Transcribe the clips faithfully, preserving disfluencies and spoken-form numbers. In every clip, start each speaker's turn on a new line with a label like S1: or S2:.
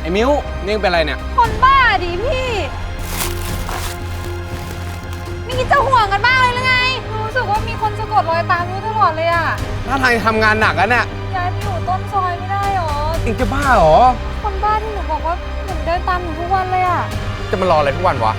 S1: มิ้วนี่เป็นอะไรเนี่ย
S2: คนบ้าดิพี่นี่คิดจะห่วงกันบ้างเลยหรือไงรู้สึกว่ามีคนสะกดรอยตามมิ้วตลอดเลยอะ
S1: ถ้าทางทำงานหนักแล้วเนี่ย
S2: ย้ายไปอยู่ต้นซอยไม่ได้หรอ
S1: เองจะบ้าหรอ
S2: คนบ้าที่หนูบอกว่าหนูเดินตามหนูทุกวันเลยอะ
S1: จะมารออะไรทุกวันวะ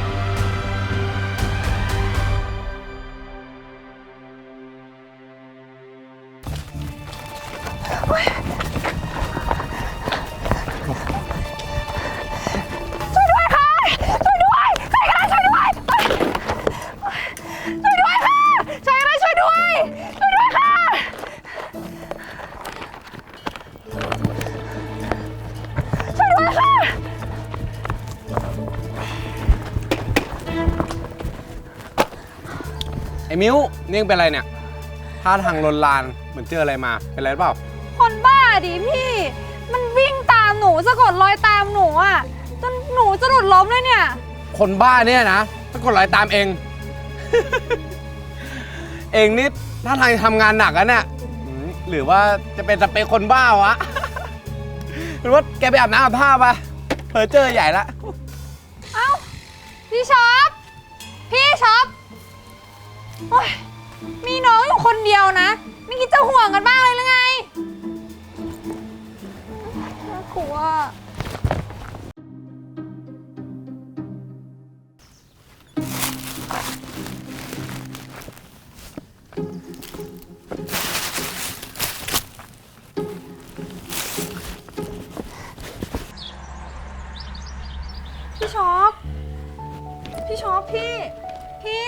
S1: ไอ้มิ้วนี่เป็นอะไรเนี่ยท่าทางลนลานเหมือนเจออะไรมาเป็นไรหรือเปล่า
S2: คนบ้าดิพี่มันวิ่งตามหนูสะกดรอยตามหนูอ่ะจนหนูจะหลุดล้มเลยเนี่ย
S1: คนบ้าเนี่ยนะสะกดรอยตามเอง เองนี่ท่าทางทำงานหนักอะเนี่ยหรือว่าจะเป็นสเปคคนบ้าวะ หรือว่าแกไปอาบน้ำอาบท่าปะเพอเจอใหญ่ละ
S2: เอ้าพี่ช็อปพี่ช็อปมีน้องอยู่คนเดียวนะไม่คิดจะห่วงกันบ้างเลยหรือไงน่ากลัวพี่ช็อปพี่ช็อปพี่พี่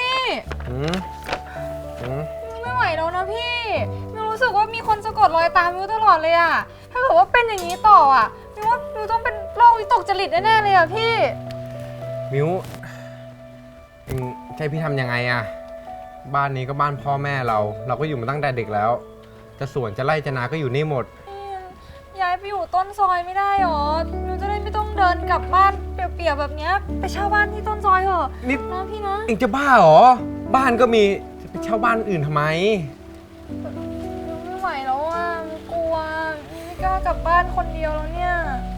S2: ไม่ไหวแล้วนะพี่มิวรู้สึกว่ามีคนสะกดรอยตามมิวตลอดเลยอะถ้าเกิดว่าเป็นอย่างนี้ต่ออะมิวว่ามิวต้องเป็นโรควิตกจริตแน่ๆเลยอะพี่
S1: มิวเองใช่พี่ทำยังไงอะบ้านนี้ก็บ้านพ่อแม่เราเราก็อยู่มาตั้งแต่เด็กแล้วจะสวนจะไร่จะนาก็อยู่นี่หมด
S2: ย้ายไปอยู่ต้นซอยไม่ได้หรอมิวจะได้ไม่ต้องเดินกลับบ้านเปียกๆแบบนี้ไปเช่าบ้านที่ต้นซอยเถอะ
S1: นี่
S2: นะพี่นะ
S1: เองจะบ้าหรอบ้านก็มีไปเช่าบ้านอื่นทำไม
S2: ไม่ไหวแล้วอ่ะมิวกลัวไม่กล้ากลับบ้านคนเดียวแล้วเนี่ย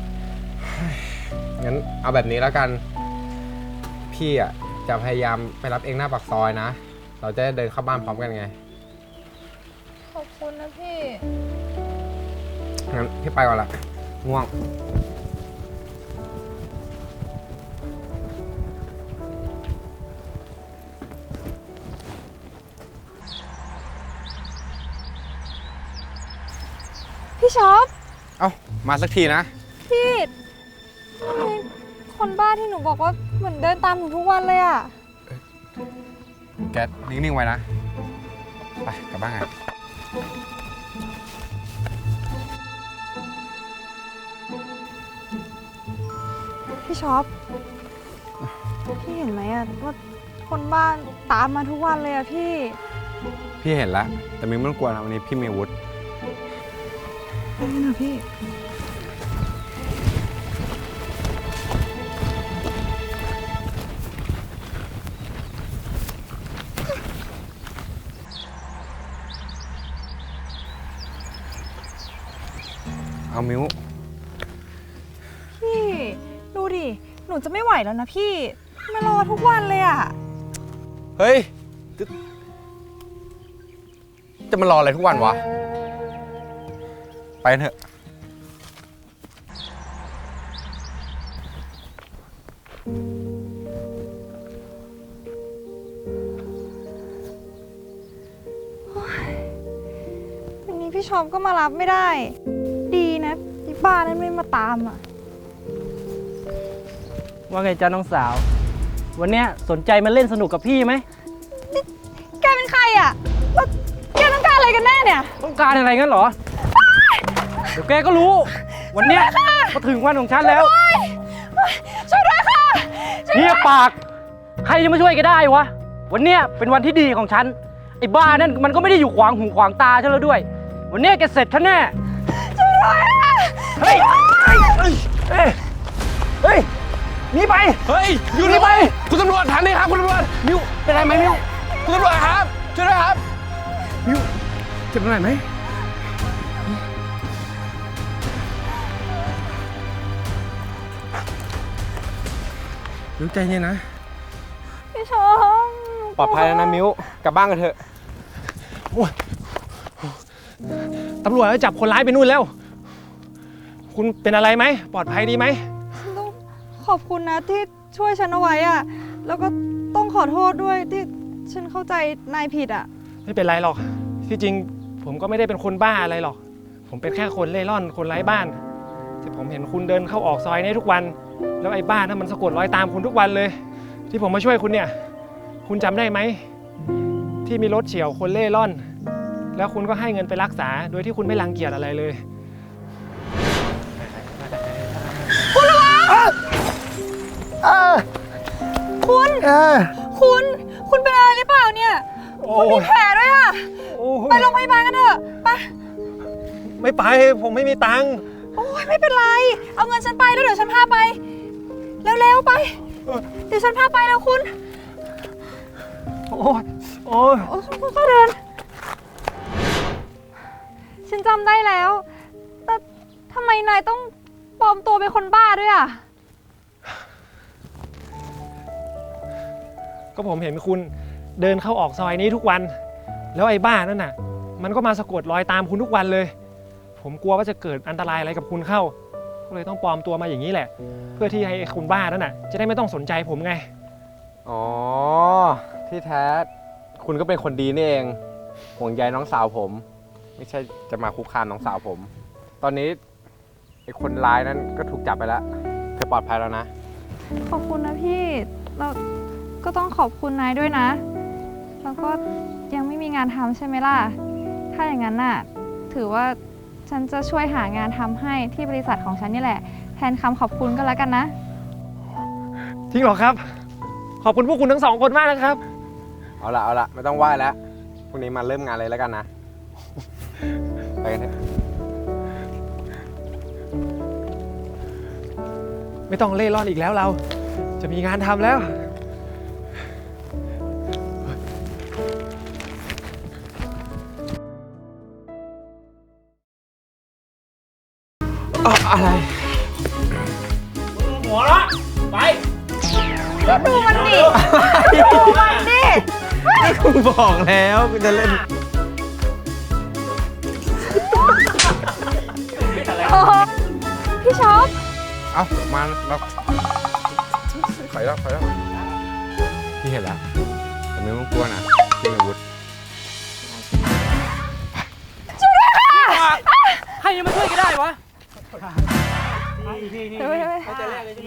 S1: งั้นเอาแบบนี้แล้วกันพี่อ่ะจะพยายามไปรับเองหน้าปากซอยนะเราจะได้เดินเข้าบ้านพร้อมกันไง
S2: ขอบคุณนะพี่
S1: งั้นพี่ไปก่อนละง่วง
S2: พี่ช็อป
S1: เอ้ามาสักทีนะ
S2: พี่คนบ้าที่หนูบอกว่าเหมือนเดินตามหนูทุกวันเลยอะ
S1: แกนิ่งๆไว้นะไปกลับบ้านกัน
S2: พี่ช็อปพี่เห็นไหมอะว่าคนบ้านตามมาทุกวันเลยอะพี่
S1: พี่เห็นแล้วแต่มิ้งไม่ต้องกลัวนะวันนี้พี่มีอาวุธ
S2: นี่นะพี่
S1: เอามิ้ว
S2: พี่ดูดิหนูจะไม่ไหวแล้วนะพี่มารอทุกวันเลยอะ
S1: เฮ้ยจะมารออะไรทุกวันวะไปเถอะ
S2: วันนี้พี่ชอปก็มารับไม่ได้ดีนะที่บ้านนั้นไม่มาตามอ่ะ
S3: ว่าไงจ๊ะน้องสาววันนี้สนใจมาเล่นสนุกกับพี่ไหม
S2: แกเป็นใครอ่ะแล้วแกต้องการอะไรกันแน่เนี่ย
S3: ต้องการอะไรงั้นเหรอเดี๋ยวแกก็รู้วันนี้มาถึงวันของฉันแล้ว
S2: ช่วยด้วยค่ะ
S3: เงียบปากใครจะมาช่วยแกได้วะวันนี้เป็นวันที่ดีของฉันไอ้บ้านั่นมันก็ไม่ได้อยู่ขวางหูขวางตาฉันแล้วด้วยวันนี้แกเสร็จฉันแน่
S2: ช่วยด้วย
S3: เฮ้ยเฮ้ยเฮ้ยเฮ้ยหนีไป
S1: เฮ้ยอยู่นี่ไปคุณตำรวจถามดิครับคุณตำรวจมิวเป็นไรไหมมิวคุณตำรวจครับช่วยด้วยครับมิวเจ็บตรงไหนไหมมิ้วใจเย็นนะ
S2: พี่ชอบ
S1: ปลอดภัยแล้วนะมิ้ว กลับบ้านกันเถอะ
S4: ตำรวจจับคนร้ายไปนู่นแล้ว คุณเป็นอะไรไหม ปลอดภัยดีไหม
S2: ต้องขอบคุณนะที่ช่วยฉันเอาไว้อะแล้วก็ต้องขอโทษด้วยที่ฉันเข้าใจนายผิดอะ
S4: ไม่เป็นไรหรอก ที่จริงผมก็ไม่ได้เป็นคนบ้าอะไรหรอก ผมเป็นแค่คนเล่ร่อน คนไร้บ้าน แต่ผมเห็นคุณเดินเข้าออกซอยนี้ทุกวัน แล้วไอ้บ้านนั้นมันสะกดรอยตามคุณทุกวันเลย ที่ผมมาช่วยคุณเนี่ย คุณจำได้ไหม ที่มีรถเฉี่ยวคนเล่ร่อน แล้วคุณก็ให้เงินไปรักษา โดยที่คุณไม่รังเกียจอะไรเลย
S2: คุณ คุณ คุณเป็นอะไรหรือเปล่าเนี่ย
S4: โอ้
S2: คุณมีแผลด้วยอะ
S4: โอ้
S2: ไปโรงพยาบาลกันเถอะไป
S4: ไม่ไป ผมไม่มีตังค์
S2: โอ้ยไม่เป็นไร เอาเงินฉันไปแล้วเดี๋ยวฉันพาไป เร็วๆไป เดี๋ยวฉันพาไปแล้วคุณ
S4: โอ้ยโอ้ย
S2: โอ้ยคุณก็เดิน ฉันจำได้แล้ว แต่ทำไมนายต้องปลอมตัวเป็นคนบ้าด้วยอ่ะ
S4: ก็ผมเห็นคุณเดินเข้าออกซอยนี้ทุกวัน แล้วไอ้บ้านั่นน่ะ มันก็มาสะกดรอยตามคุณทุกวันเลย ผมกลัวว่าจะเกิดอันตรายอะไรกับคุณเข้า ก็เลยต้องปลอมตัวมาอย่างนี้แหละ เพื่อที่ให้ไอ้คุณบ้านั่นน่ะ จะได้ไม่ต้องสนใจผมไง
S1: อ๋อ ที่แท้คุณก็เป็นคนดีนี่เอง ห่วงใยน้องสาวผม ไม่ใช่จะมาคุกคามน้องสาวผม ตอนนี้ไอ้คนร้ายนั้นก็ถูกจับไปแล้ว เธอปลอดภัยแล้วนะ
S2: ขอบคุณนะพี่ เราก็ต้องขอบคุณนายด้วยนะ แล้วก็ยังไม่มีงานทำใช่ไหมล่ะ ถ้าอย่างนั้นน่ะ ถือว่าฉันจะช่วยหางานทำให้ที่บริษัทของฉันนี่แหละ แทนคำขอบคุณก็แล้วกันนะ
S4: จริงเหรอครับ ขอบคุณพวกคุณทั้งสองคนมากนะครับ
S1: เอาละเอาละไม่ต้องไหว้แล้ว พรุ่งนี้มาเริ่มงานเลยแล้วกันนะ ไปกันเถอะ
S4: ไม่ต้องเล่ร่อนอีกแล้วเรา จะมีงานทำแล้ว
S1: อะไร
S3: หัวละไป
S2: ดูมันดิ ดูมันดิ
S1: กูบอกแล้วกูจะเล่น
S2: โอ้พี่ช็อป
S1: เอ้ามาแล้วถอยแล้วถอยแล้วพี่เห็นแล้วแต่ไม่ต้องกลัวนะพี่มีอาวุธ
S3: ใครจะมาช่วยก็ได้วะ
S2: เดี๋ยวไป